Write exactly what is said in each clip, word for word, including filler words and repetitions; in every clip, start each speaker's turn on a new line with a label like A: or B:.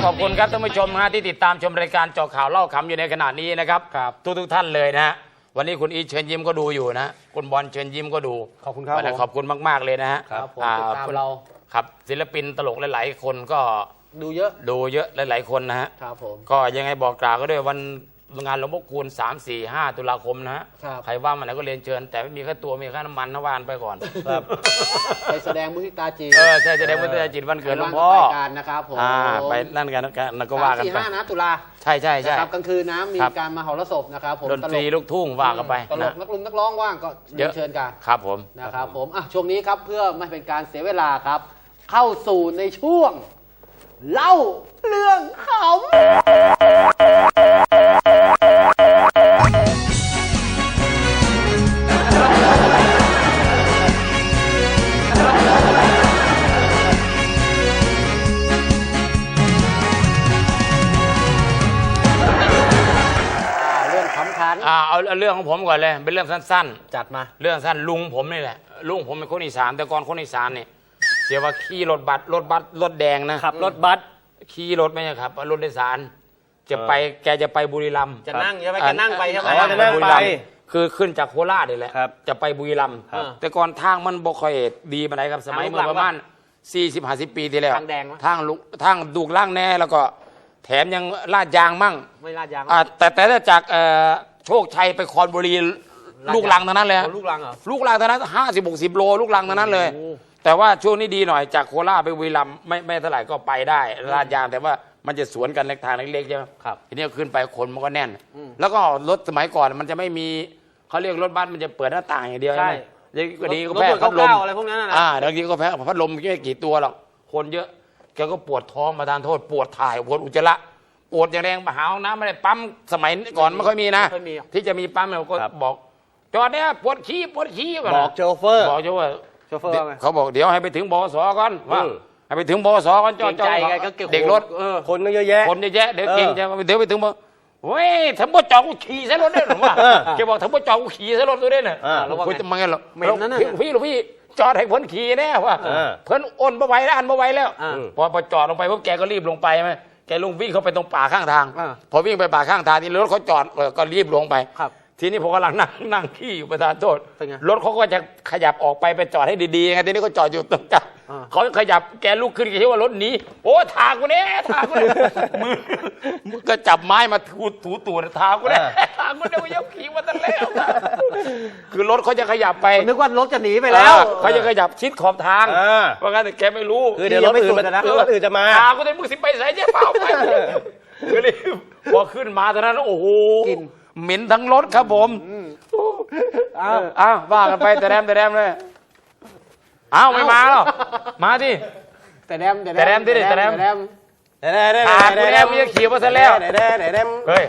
A: ขอบคุณครับท่านผู้ชมฮะที่ติดตามชมรายการเจาะข่าวเล่าขำอยู่ในขณะนี้นะครับทุกทุกท่านเลยนะฮะวันนี้คุณอีเชิญยิ้มก็ดูอยู่นะคุณบอลเชิญยิ้มก็ดู
B: ขอบคุณครับ
A: ขอบคุณมากๆเลยนะฮะ
B: ครับผมติดตามเรา
A: ครับศิลปินตลกหลายๆคนก็
B: ดูเยอะ
A: ดูเยอะหลายๆคนนะฮะ
B: ครับผม
A: ก็ยังไงบอกกล่าวก็ด้วยวันงานหลวงพ่อคูณสาม สี่ ห้าตุลาคมนะฮะใครว่างมาไหนก็เรียนเชิญแต่ไม่มีค่าตัวมีค่าน้ำมันน้ำวานไปก่อน
B: ครับไปแสดงมุทิตาจิต
A: เออใช่แสดงมุทิตาจิตวันเกิดหลวงพ่อ
B: การนะครับผม
A: ไปนั่นกันนั่นก็ว่ากันไป
B: สี่ ห้านะตุลา
A: ใช่ใช่ใช่
B: ครับกลางคืนนะมีการมาหรสพนะครับผม
A: ดนตรีลูกทุ่งว่ากันไป
B: ตลกนักลุมนักร้องว่างก็เชิญกัน
A: ครับผม
B: นะครับผมอ่ะช่วงนี้ครับเพื่อไม่เป็นการเสียเวลาครับเข้าสู่ในช่วงเล่าเรื่องขำเรื่องขำขัน
A: อ่าเอาเรื่องของผมก่อนเลยเป็นเรื่องสั้น
B: ๆจัดมา
A: เรื่องสั้นลุงผมนี่แหละลุงผมเป็นคนอีสานแต่ก่อนคนอีสานเนี่ยเสียว่าขี่รถบัสรถบัสรถแดงนะ
B: ขับรถบัส
A: ขี่รถไม่ใช่ครับรถโดยสารจะไปแกจะไปบุรีรัมย์
B: จะนั่งใช่ไหมแกนั่งไปใช่ไหม
A: จะนั่งไปคือขึ้นจากโคราชนี่แหละจะไปบุรีรัมย์แต่ก่อนทางมันบ่ค่อยดีมาไหนครับสมัยเมื่อประมาณสี่สิบห้าสิบปีที่แล้ว
B: ทางแดง
A: ทางลุกทางดูกล่างแน่แล้วก็แถมยังลาดยางมั่ง
B: ไม่ลาดยาง
A: แต่แต่ถ้าจากโชคชัยไปคอนบุรีลูกลังทั้งนั้นเลย
B: ลูกลังเหรอ
A: ลูกลังทั้งนั้นห้าสิบหกสิบโลลูกลังทั้งนั้นเลยแต่ว่าช่วงนี้ดีหน่อยจากโคราชไปบุรีรัมย์ไม่ไม่เท่าไหร่ก็ไปได้ลาดยางแต่ว่ามันจะสวนกันเล็กทางเล็กๆใช่ไหม
B: ครับ
A: ทีนี้ขึ้นไปคนมันก็แน่นแล้วก็รถสมัยก่อนมันจะไม่มีเขาเรียกรถบัสมันจะเปิดหน้าต่างอย่างเดียวใช่ไหมก็ดีก็แพ้พัดลม
B: อะไรพวกนั้นนะ
A: อ่าบางทีก็แพ้พัดลมไม่กี่ตัวหรอกคนเยอะแกก็ปวดท้องมาทานโทษปวดถ่ายปวดอุจจาระปวดอย่างแรงมาหาห้องน้ำไม่ได้ปั๊มสมัยก่อนไม่ค่อยมีนะที่จะมีปั๊มเราก็บอกจอดเนี่ยปวดขี้ปวดขี้
B: บอกโชเฟอร์
A: บอกโชเฟอร์
B: โชเฟอร์
A: เขาบอกเดี๋ยวให้ไปถึงบสก่อนว่าให้ไปถึงบสก่อนจอดจอดเด็กรถ
B: คนเยอะแยะ
A: คนเยอะแยะเดี๋ยวเก่งจะเดี๋ยวไปถึงบเว้ยถ้าบ่จอดกูขี่ซะรถได้หรือวะแกบอกถ้าบ่จอดกูขี่ซะรถตัวได้เนี่ยคุยจะมาไงหรอพี่หรือพี่จอดให้พ้นขี่แน่ว่ะเพิ่นอ้นบ่ไหวแล้วอันบ่ไหวแล้วพอพอจอดลงไปพวกแกก็รีบลงไปไหมแกลงวิ่งเข้าไปตรงป่าข้างทางพอวิ่งไปป่าข้างทางที่รถเขาจอดก็รีบลงไปทีนี้ผมกำลังนั่งนั่งขี้อยู่ประธานโทษรถเขาก็จะขยับออกไปไปจอดให้ดีๆไงทีนี้เขาจอดอยู่ตรงกลางเขาขยับแกลุกขึ้นแกคิดว่ารถหนีโอ้ทางกูเนี่ยทางกูเนี่ยมือมือก็จับไม้มาถูถูตูดทางกูเนี่ยทางกูเนี่ยมันยังขี่มาตั้งแล้วคือรถเขาจะขยับไป
B: นึกว่ารถจะหนีไปแล้ว
A: เขาจะขยับชิดขอบทางเพราะงั้นแต่แกไม่รู้
B: คือเดี๋ยวรถอื่นนะรถอื่นจะมา
A: ทางกูเนี่ยมึงสิไปใส่เจ๊เปล่าไปคือรีบพอขึ้นมาตอนนั้นโอ้โหเหม็นทั้งรถครับผมอ้าวอ้าวว่ากันไปแต่แรมแต่แรมเลยอ้าวไม่มาหรอมาดิ
B: แต่แรม
A: แต่แรมดิแต่แรมขาดกูแล้วมึงจะขี่มาซะแล้วเฮ้ย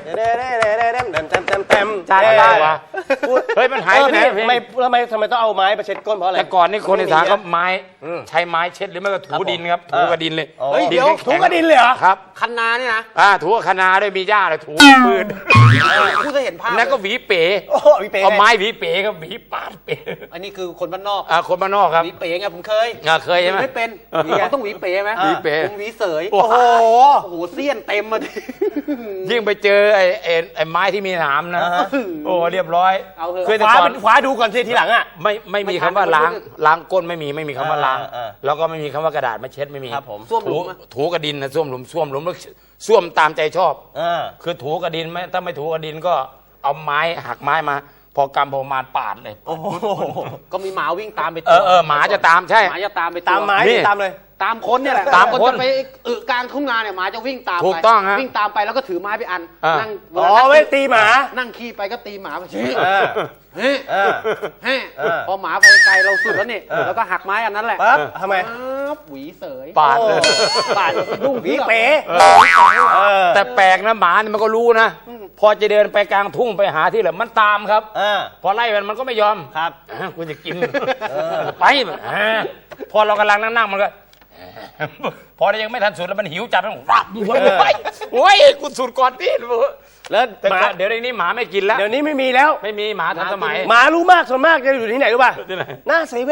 A: จ่ายได้วะเฮ้ยมันหายไปไหน
B: ไม่ทำไมทำไมต้องเอาไม้มาเช็ดก้นเพราะอะไร
A: แต่ก่อนนี่คนอีสานก็ไม้ใช้ไม้เช็ดหรือไม่ก็ถูดินครับถูกระดินเลย
B: เฮ้ยเดี๋ยวถูกระดินเลยเหรอ
A: ครับ
B: คันนาเนี่ยนะ
A: อ่าถูกคันนาด้วยมีหญ้าเลยถูปืน
B: ผู้จะเห็นภาพ
A: แล้วก็หวีเป๋เอาไม้หวีเป๋กับหวีปาดเป๋
B: อันนี้คือคนบ้านนอก
A: อ่าคนบ้านนอกครับ
B: หวีเป๋ไงผมเคย
A: อ่าเคยใช่ไหม
B: ไม่เป็นเขาต้องหวีเป๋ไหม
A: หวีเป๋
B: ผมหวีเสยโอ้โหโอ้โหเสี้ยนเต็มมาดิ
A: ยิ่งไปเจอไอ้ไอ้ไม้ที่มีหนามนะโอ้เรียบร้อย
B: เคยคว้าเป็นคว้าดูก่อนทีหลังอ่ะ
A: ไม่ไม่มีคำว่าล้างล้างก้นไม่มีไม่มีคำว่าล้างแล้วก็ไม่มีคำว่ากระดาษมาเช็ดไม่มี
B: ครับผมส้วมหลุม
A: ถูกระดินนะส้วมหลุมส้วมหลุมแล้วส้วมตามใจชอบคือถูกระดินไหมถ้าไม่ถูกระดินก็เอาไม้หักไม้มาพอกำพอมาปาดเลย
B: ก็มีหมาวิ่งตามไป
A: เออเออหมาจะตามใช่
B: หมาจะตามไปตามไม้ตามเลยตามคนเนี่ยแหละ
A: ตามคน
B: จะไปอึกลางทุ่งนาเนี่ยหมาจะวิ่งตามไป
A: ถูกต้องฮะ
B: วิ่งตามไปแล้วก็ถือไม้ไปอันนั่ง
A: อ๋อไว้ตีหมา
B: นั่งขี่ไปก็ตีหมาไปเฮ้ยเฮ้ยพอหมาไปไกลเราสุดแล้วนี่แล้วก็หักไม้อันนั้นแหละ
A: ปั๊บทำไม
B: หวีเสย
A: ปาดเลย
B: ปาดดุ้ง
A: หวีเป๋แต่แปลกนะหมาเนี่ยมันก็รู้นะพอจะเดินไปกลางทุ่งไปหาที่เหลือมันตามครับพอไล่มันมันก็ไม่ยอม
B: ครับ
A: กูจะกินไปพอเรากำลังนั่งๆมันก็พอยังไม่ทันสุดแล้วมันหิวจัดมันวับโอ้ยกูสุดก่อนที่แล้วหมาเดี๋ยวนี้หมาไม่กินแล้ว
B: เดี๋ยวนี้ไม่มีแล้ว
A: ไม่มีหมาทันสมัย
B: หมารู้มากส่วนมากจะอยู่ที่ไหนรู้ป่ะหน้าเซเว่น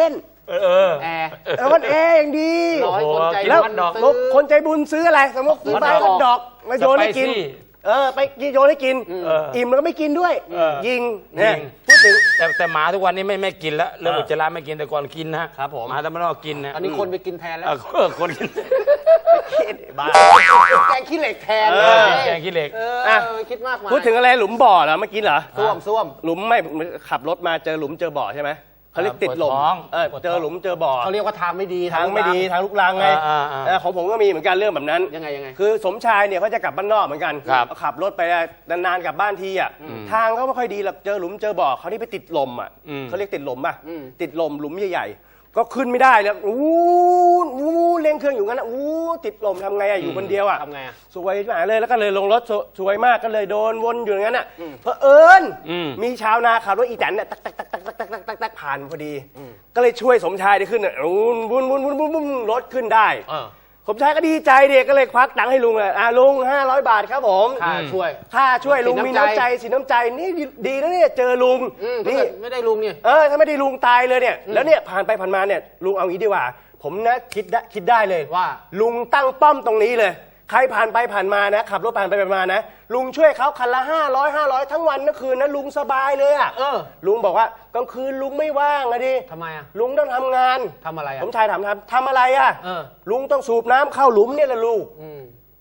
A: เออ
B: แอร์
C: เออมันแอร์อย่างดี
B: ร้อยคนใจ
C: แล้ว
B: ร้อนดอก
C: แล้วคนใจบุญซื้ออะไรสมมติซื้อใบฮอทดอกมาโยนให้กิน
A: สไปซี่
C: เออไปโยนให้กิน
A: เอออิ่
C: อิ่มแล้วก็ไม่กินด้วย
A: เออ
C: ยิงเนี่ย
A: ยิง
C: พูดถึง
A: แต่แต่หมาทุกวันนี้ไม่ไม่กินแล้วเรื่อง
C: เออ
A: อุจจาระไม่กินแต่ก่อนกินนะครับ
C: ผม
A: หมาแต่ไม่ต้องกินนะ
B: อันนี้คนไปกินแทนแล้ว
A: เออคนกิน
C: บ้า
B: แกงขี้เหล็กแทน
C: เอ
B: เล
C: อ
B: ย
A: แกงขี้เหล็ก
B: เอ
C: อ่ะ
B: อคิดมากมาย
C: พูดถึงอะไรหลุมบ่อเหรอเมื่อกี้เหรอ
B: ส้วมส้วม
C: หลุมไม่ขับรถมาเจอหลุมเจอบ่อใช่ไหมเขาเรียกติดหลุม
A: ปวดท้อง
C: เออเจอหลุมเจอบ่อ
B: เขาเรียกว่าทางไม่ดี
C: ทางไม่ดีทางลุกลังไง
A: อ่าอ่าอ่า
C: เออของผมก็มีเหมือนกันเรื่องแบบนั้น
B: ยังไงยังไง
C: คือสมชายเนี่ยเขาจะกลับบ้านนอกเหมือนกัน
A: ครับ
C: ขับรถไปนานๆกลับบ้านทีอ่ะทางเขาไม่ค่อยดีหรอกเจอหลุมเจอบ่อเขานี่ไปติดลมอ่ะ
A: อืม
C: เขาเรียกติดลมป่ะ
B: อืม
C: ติดลมหลุมใหญ่ๆก็ขึ้นไม่ได้แล้วอู้อู้เร่งเครื่องอยู่งั้นอ่ะอู้ติดลมทำไงอ่ะอยู่คนเดียวอ่ะ
B: ทำไงอ่ะ
C: สวยมากเลยแล้วก็เลยลงรถสสวยมากก็เลยโดนวนอยู่อย่างนั้นอ่ะเพอเอิญ
A: อืม
C: มีชาวนาขับรถอีแตนเนี่ยตักตักตักตักตักตักตักตักตักผ่านพอดี ก็เลยช่วยสมชายได้ขึ้นอ่ะวุ้นวุ้นวุ้นวุ้นวุ้นวุ้นรถขึ้นได้
B: เออ
C: สมชายก็ดีใจเด็กก็เลยควักตังค์ให้ลุงเลยอ่าลุงห้าร้อยบาทครับผม
B: ค่าช่วย
C: ค่าช่วยลุง
B: สิน
C: มี
B: น้ำใจ
C: น้ำใจสินน้ำใจนี่ดีนะเนี่ยเจอลุง
B: อืม
C: นี่
B: ไม่ได้ลุงเนี่ย
C: เออถ้าไม่ได้ลุงตายเลยเนี่ยแล้วเนี่ยผ่านไปผ่านมาเนี่ยลุงเอางี้ดีกว่า ผมนะคิดได้คิดได้เลย
B: ว่า
C: ลุงตั้งป้อมตรงนี้เลย ใครผ่านไปผ่านมานะขับรถผ่านไปผ่านมานะลุงช่วยเขาคันละห้าร้อยห้าร้อยทั้งวันทั้งคืนนะลุงสบายเลยอ่ะ
B: เออ
C: ลุงบอกว่ากลางคืนลุงไม่ว่างอะดิ
B: ทำไมอ่ะ
C: ลุงต้องทำงาน
B: ทำอะไรอ่ะ
C: ผมชายถามทำทำอะไรอ่ะ
B: เออ
C: ลุงต้องสูบน้ำเข้าหลุมเนี่ยแหละลูก
B: อืม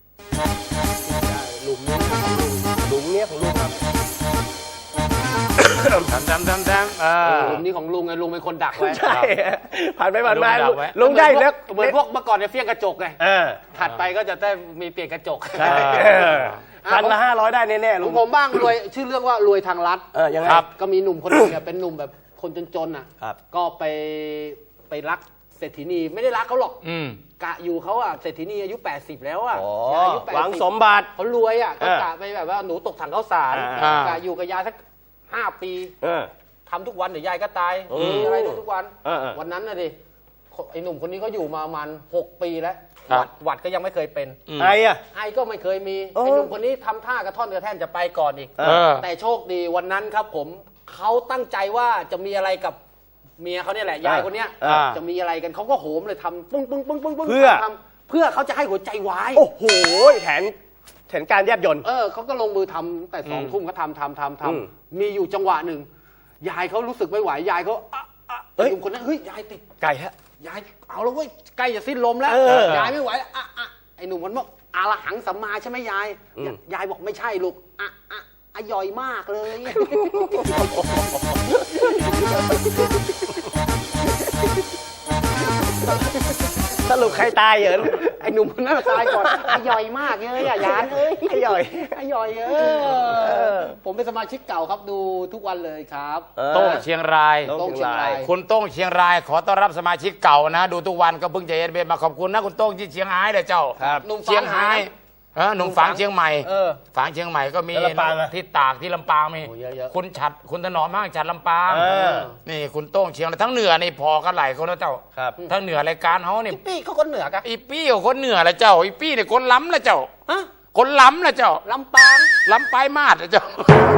B: หลุมนี้
C: หลุมเนี่ยของลุงครับ
A: ทำทำทำทำเออ
B: หลุมนี้ของลุงไงลุงเป็นคนดักไว้
C: ใช่ผ่านไปผ่านมา
A: ลุงดักไว้
C: ลุงได้แล้ว
B: เหมือนพวกเมื่อก่อนเนี่ยเฟี้ยงกระจกไง
C: เออ
B: ถัดไปก็จะได้มีเปลี่ยนกระจก
C: ใช่
A: เออ
C: พันละห้าร้อยได้แน่ๆ
B: ข
C: ลุ
B: อง งผมบ้างรวยชื่อเรื่องว่ารวยทางรัฐ
C: เออยังไง
A: ครับ
B: ก็มีหนุ่มคนหนึงเนี่ยเป็นหนุ่มแบบคนจนๆน่ะ
C: ครับ
B: ก็ไปไปรักเศรษฐีนีไม่ได้รักเขาหรอก
A: อืม
B: กะอยู่เขาอ่ะเศรษฐีนีอายุแปดสิบแล้วอ่ะ
C: อ๋อ
B: อายุแปด
C: หวัง
B: สิบ
C: สมบัติ
B: เขารวยอ่ะก็
C: เออก
B: ะไปแบบว่าหนูตกถังข้าวสาร
C: อ่า
B: กะอยู่กับยายสักห้าปี
C: เออ
B: ทำทุกวันเดี๋ยวยายก็ตาย
C: อืม
B: มีอะไรทุกวัน
C: เออเออ
B: วันนั้นน่ะดิไอ้หนุ่มคนนี้เขาอยู่มาประมาณหกปีแล้ว
A: ครั
B: ห
A: บ
B: วัดหวัดก็ยังไม่เคยเป็น
A: อืม
C: ไออ่ะ
B: ไอ้ก็ไม่เคยมี
C: เออ
B: ไอ้หนุ่มคนนี้ทำท่ากระท่อนกระแท่นจะไปก่อนอีก
C: เอ
A: เออ
B: แต่โชคดีวันนั้นครับผมเขาตั้งใจว่าจะมีอะไรกับเมียเขาเนี่ยแหละยายคนเนี้ย
A: อ่า
B: จะมีอะไรกันเขาก็โหมเลยทำปึ้งปึ้งปึ้งปึ้งปึ้ง
C: เพื่อ
B: ทำเพื่อเขาจะให้หัวใจวาย
C: โอ้โหแผนแผนการแยบยนต์
B: เออเขาก็ลงมือทำแต่สอง
A: อืม
B: ทุ่มเขาทำทำทำท
C: อืม
B: ำมีอยู่จังหวะหนึ่งยายเขารู้สึกไม่ไหวยายเขาอ่ะอ่ะ
C: เอ้ย
B: ไอ้หนุ่มคนนั้นเฮ้ยยายติด
C: ไก่ฮะ
B: ยายเอาแล้วเว้ยใกล้จะสิ้นลมแล้ว
C: เออ
B: ยายไม่ไหวแล้วอ่ะอ่ะไอ้หนุ่มคนบอกอาละหังสัมมาใช่ไหมยาย
C: อืม
B: ยายบอกไม่ใช่ลูกอ่ะอ่ะอ่ะย่อยมากเลย
C: สรุปใครตายเหรอ
B: ไอ้หนุ่มคนนั้นตายก่อนอ่ะย่อยมากเลยอ่ะยานเอ้ย
C: ไอ้ย่อย
B: อ่ะย่อยเอ
C: เอ
B: อ
C: อ
B: ผมเป็นสมาชิกเก่าครับดูทุกวันเลยครับ
C: เออ
A: โต้งเชียงราย
C: โต้ง
B: โต้งเชียงราย
A: คุณโต้งเชียงรายขอต้อนรับสมาชิกเก่านะ ดูทุกวันก็เพิ่งจะเอ็นเบมาขอบคุณนะคุณโต้งที่เชียงรายเลยเจ้า
C: ครับ
B: หนุ่ม
A: เชียงรายเออหนุ่มฝางเชียงใหม่
B: เออ
A: ฝางเชียงใหม่ก็มี
C: แล้วลำปางอะ
A: ที่ตากที่ลำปางมี
B: โอ้เยอะๆ
A: คุณฉัดคุณถนอมมากฉัดลำปาง
C: เออ
A: นี่คุณโต้งเชียงรายทั้งเหนือนี่พอกันหลายคนแล้วเจ้า
C: ครับ
A: ทั้งเหนือรายการเขานี่
B: พี่เขาก็เหนือกัน
A: อีปี้กับคนเหนือละเจ้าอีปี้เนี่ยคนล้ำละเจ้า
B: ฮะ
A: คนล้ำละเจ้า
B: ลำปาง
A: ล้ำปลายมาดละเจ้า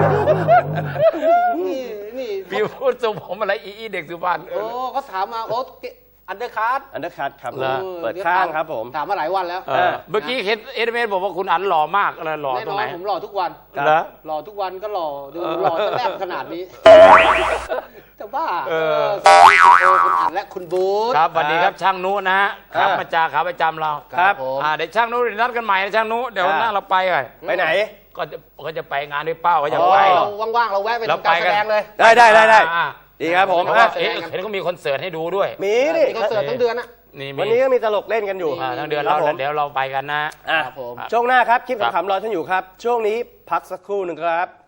B: นี่นี่
A: พี่พูดสุผมอะไรอีอีเด็กสุพรรณ
B: โอ้เขาถามมาโอ้อันเดอร์คัส
C: อันเดอร์คัทครับ
A: เหรอ
C: เปิดข้างครับผม
B: ถามมาหลายวันแล้ว
A: เออเมื่อกี้เห็นเอเดเมนบอกว่าคุณอันหล่อมากอะไรหล่อ
B: แน่
A: ตร
B: น
A: ง
B: อ
A: ไหน
B: นผมหล่อทุกวัน
A: เหรอ
B: หล่อทุกวันก็หล่อดู
A: เออ
B: หล่อจะแลบขนาดนี้แต่ว่า
A: เออ
B: เออคุณอันและคุณบูธ
A: ครับสวัสดีครับช่างนุนะฮะครับ
C: เออ
A: มาจาขาประจำเรา
C: ครับ
B: ผม
A: อ่าเดี๋ยวช่างนุนัดกันใหม่นะช่างนุเดี๋ยว
C: อ่า
A: หน้าเราไปก่อน
C: ไปไหน
A: ก็จะก็จะไปงานด้วยเป้าก็จะ
C: อ๋อ
A: ไป
B: เราว่างๆเราแวะไป
A: เรา
B: ทำการ
A: ไป
B: แส
A: กัน
B: ดงเลย
C: ได้ได้ได้ได้
A: อ่า
C: ดีครับผม
A: เพราะว่า
C: อ่ะ
A: เอ๊ะเห็นก็มีคอนเสิร์ตให้ดูด้วย
C: มีดิ
B: มีคอนเสิร์ตทั้งเดือนอะ
A: นี่มี
C: วันนี้ก็มีตลกเล่นกันอยู่
A: อ่าทั้งเดือน
C: ค
A: เรา
C: รับผม
A: เดี๋ยวเราไปกันนะ
C: อ่ะ
B: ครับผม
C: ช่วงหน้าครับคลิป
A: ครับ
C: ขำๆรอท่านอยู่ครับ ช่วงนี้พักสักครู่หนึ่งครับ